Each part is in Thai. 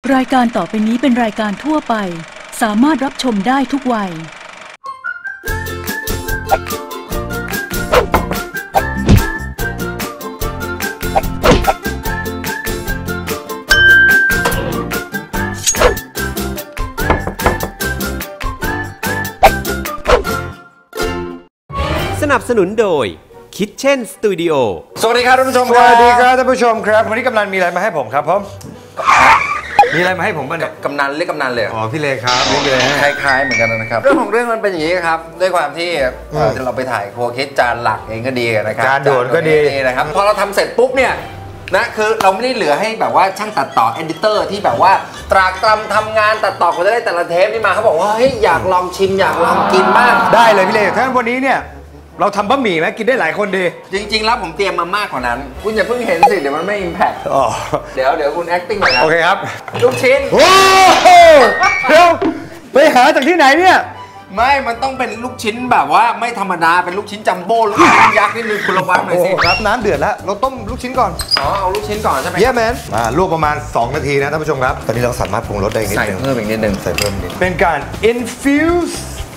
รายการต่อไปนี้เป็นรายการทั่วไปสามารถรับชมได้ทุกวัยสนับสนุนโดยKitchen Studio สวัสดีครับท่านผู้ชมสวัสดีครับท่านผู้ชมครับวันนี้กำนันมีอะไรมาให้ผมครับผมมีอะไรมาให้ผมบ้างเนี่ยกำนันเรียกกำนันเลยอ๋อพี่เลครับเรียกเลยคล้ายๆเหมือนกันนะครับเรื่องของเรื่องมันเป็นอย่างนี้ครับด้วยความที่เราไปถ่ายโคคิดจานหลักเองก็ดีนะครับจานโดดก็ดีนะครับพอเราทำเสร็จปุ๊บเนี่ยนะคือเราไม่ได้เหลือให้แบบว่าช่างตัดต่อเอดิเตอร์ที่แบบว่าตรากตรำทำงานตัดต่อก็จะได้แต่ละเทปนี่มาเขาบอกว่าเฮ้ยอยากลองชิมอยากลองกินบ้างได้เลยพี่เลถ้าวันนี้เนี่ยเราทำบะหมี่ไหมกินได้หลายคนดีจริงๆแล้วผมเตรียมมามากกว่านั้นคุณอย่าเพิ่งเห็นสิเดี๋ยวมันไม่ impact เดี๋ยวคุณ acting หน่อยนะโอเคครับลูกชิ้นโอ้โหเดี๋ยวไปหาจากที่ไหนเนี่ยไม่มันต้องเป็นลูกชิ้นแบบว่าไม่ธรรมดาเป็นลูกชิ้นจัมโบ้ลูกชิ้นยักษ์นิดนึงคุณระวังหน่อยสิครับน้ำเดือดแล้วเราต้มลูกชิ้นก่อนเอาลูกชิ้นก่อนใช่ไหมเย้แมนลวกประมาณ2 นาทีนะท่านผู้ชมครับตอนนี้เราสามารถปรุงรสได้นิดนึงใส่เพิ่มอีกนิดนึงใส่เพิ่มนิดเป็นการ infuse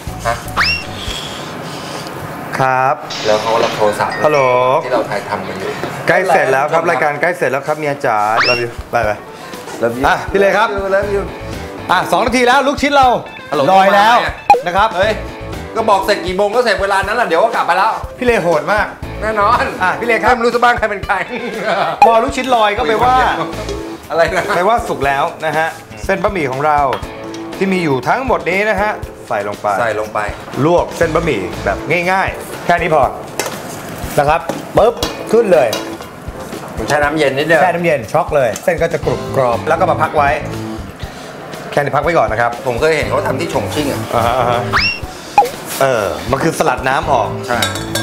ครับแล้วเขารับโทรศัพท์ฮัลโหลที่เราถ่ายทำกันอยู่ใกล้เสร็จแล้วครับรายการใกล้เสร็จแล้วครับเมียจ๋าเราอยู่ไปพี่เลยครับ2 นาทีแล้วลูกชิ้นเราลอยแล้วนะครับเฮ้ยก็บอกเสร็จกี่โมงก็เสร็จเวลานั้นแหละเดี๋ยวก็กลับไปแล้วพี่เลโหดมากแน่นอนพี่เลครับไม่รู้จะบ้างใครเป็นใครพอลูกชิ้นลอยก็แปลว่าอะไรนะแปลว่าสุกแล้วนะฮะเส้นบะหมี่ของเราที่มีอยู่ทั้งหมดนี้นะฮะใส่ลงไปลวกเส้นบะหมี่แบบง่ายๆแค่นี้พอนะครับปึ๊บขึ้นเลยผมใช้น้ำเย็นนิดเดียวแช่น้ำเย็นช็อกเลยเส้นก็จะกรุบกรอบแล้วก็มาพักไว้แค่นี้พักไว้ก่อนนะครับผมเคยเห็นเขาทำที่ฉงชิ่งมันคือสลัดน้ำออกใช่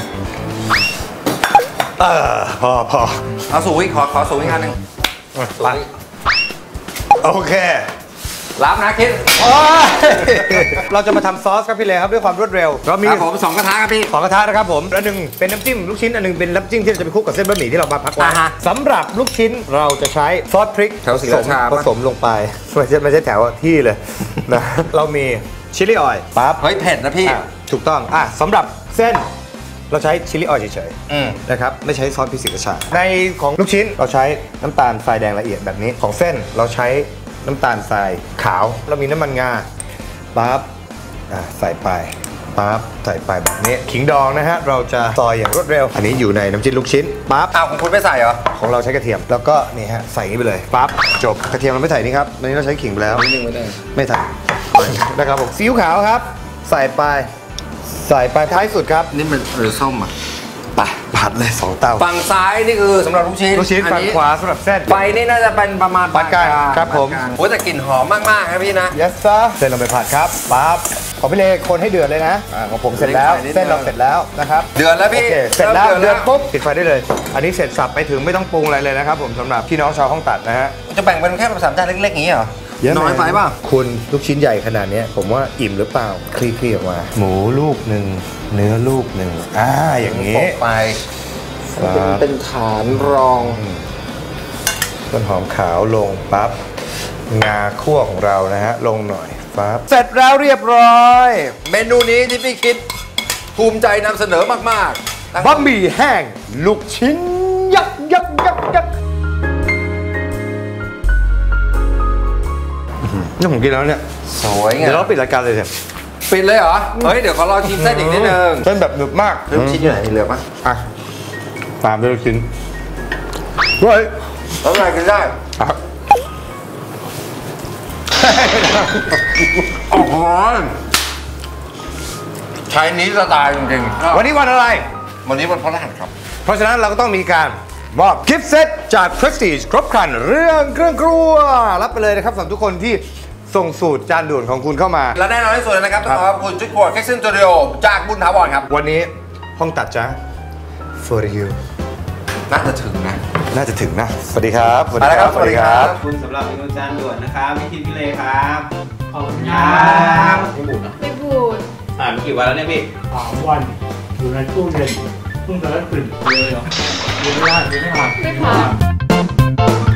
พอเอาสูงอีกขอสูงอีกอันหนึ่งไปโอเครับนะคิดเราจะมาทำซอสครับพี่เลครับด้วยความรวดเร็วเรามีผม2 กระทะครับพี่2 กระทะนะครับผมอันหนึ่งเป็นน้ำจิ้มลูกชิ้นอันหนึ่งเป็นน้ำจิ้มที่เราจะไปคลุกกับเส้นบะหมี่ที่เรามาพักไว้สำหรับลูกชิ้นเราจะใช้ซอสพริกผสมลงไปไม่ใช่แถวที่เลยนะเรามีชิลลี่ออยล์ปั๊บเฮ้ยเผ็ดนะพี่ถูกต้องสำหรับเส้นเราใช้ชิลลี่ออยล์เฉยๆนะครับไม่ใช้ซอสพริกศรีราชาในของลูกชิ้นเราใช้น้ำตาลทรายแดงละเอียดแบบนี้ของเส้นเราใช้น้ำตาลทรายขาวเรามีน้ำมันงาปั๊บใส่ไปปั๊บใส่ไปแบบนี้ขิงดองนะฮะเราจะซอยอย่างรวดเร็วอันนี้อยู่ในน้ำจิ้มลูกชิ้นปั๊บของคุณไม่ใส่เหรอของเราใช้กระเทียมแล้วก็นี่ฮะใส่นี้ไปเลยปั๊บจบกระเทียมเราไม่ใส่นี่ครับวันนี้เราใช้ขิงไปแล้วไม่ใส่นะครับผมซีอิ๊วขาวครับใส่ไปท้ายสุดครับนี่มันส้มอ่ะผัดเลย2 เตาฝั่งซ้ายนี่คือสำหรับลูกชิ้นฝั่งขวาสำหรับเส้นไฟนี่น่าจะเป็นประมาณปานกลางครับผมโอ้แต่กลิ่นหอมมากๆครับพี่นะยัสซ่าเส้นลงไปผัดครับปั๊บขอพี่เลคนให้เดือดเลยนะของผมเสร็จแล้วเส้นเราเสร็จแล้วนะครับเดือดแล้วพี่เสร็จแล้วเดือดปุ๊บปิดไฟได้เลยอันนี้เสร็จสับไปถึงไม่ต้องปรุงอะไรเลยนะครับผมสำหรับพี่น้องชาวห้องตัดนะฮะจะแบ่งเป็นแค่3 จานเล็กๆอย่างนี้เหรอน้อยไปป่ะคุณลูกชิ้นใหญ่ขนาดนี้ผมว่าอิ่มหรือเปล่าคลี่ๆออกมาหมูลูกหนึ่งเนื้อลูกหนึ่งอย่างนี้ไปเป็นฐานรองต้นหอมขาวลงปั๊บงาคั่วของเรานะฮะลงหน่อยปั๊บเสร็จแล้วเรียบร้อยเมนูนี้ที่พี่คิดภูมิใจนำเสนอมากๆบะหมี่แห้งลูกชิ้นยักษ์นี่ผมกินแล้วเนี่ยสวยไงเดี๋ยวเราปิดรายการเลยเถอะปิดเลยเหรอเฮ้ยเดี๋ยวขอรอชิมเส้นอีกนิดนึงเส้นแบบหนึบมากลูกชิ้นอยู่ไหนเหลือปะตามด้วยลูกชิ้นเฮ้ยแล้วอะไรกินได้โอ้โหใช้นี้สไตล์จริงๆวันนี้วันอะไรวันนี้วันพฤหัสครับเพราะฉะนั้นเราก็ต้องมีการมอบกิฟต์เซตจาก Prestige ครบครันเรื่องเครื่องครัวรับไปเลยนะครับสำหรับทุกคนที่ส่งสูตรจานด่วนของคุณเข้ามาและแน่นอนที่สุดนะครับต้องขอบคุณชุดครัว Kitchen Studio จากบุญถาวรครับวันนี้ห้องตัดจ้า for you น่าจะถึงนะสวัสดีครับสวัสดีครับขอบคุณสำหรับเมนูจานด่วนนะครับพี่คิดพี่เลครับขอบคุณครับไม่บูดมีกี่วันแล้วเนี่ยพี่3 วันอยู่ในตู้เย็นเพิ่งจะได้กลิ่นเลยเหรอไม่ผ่าน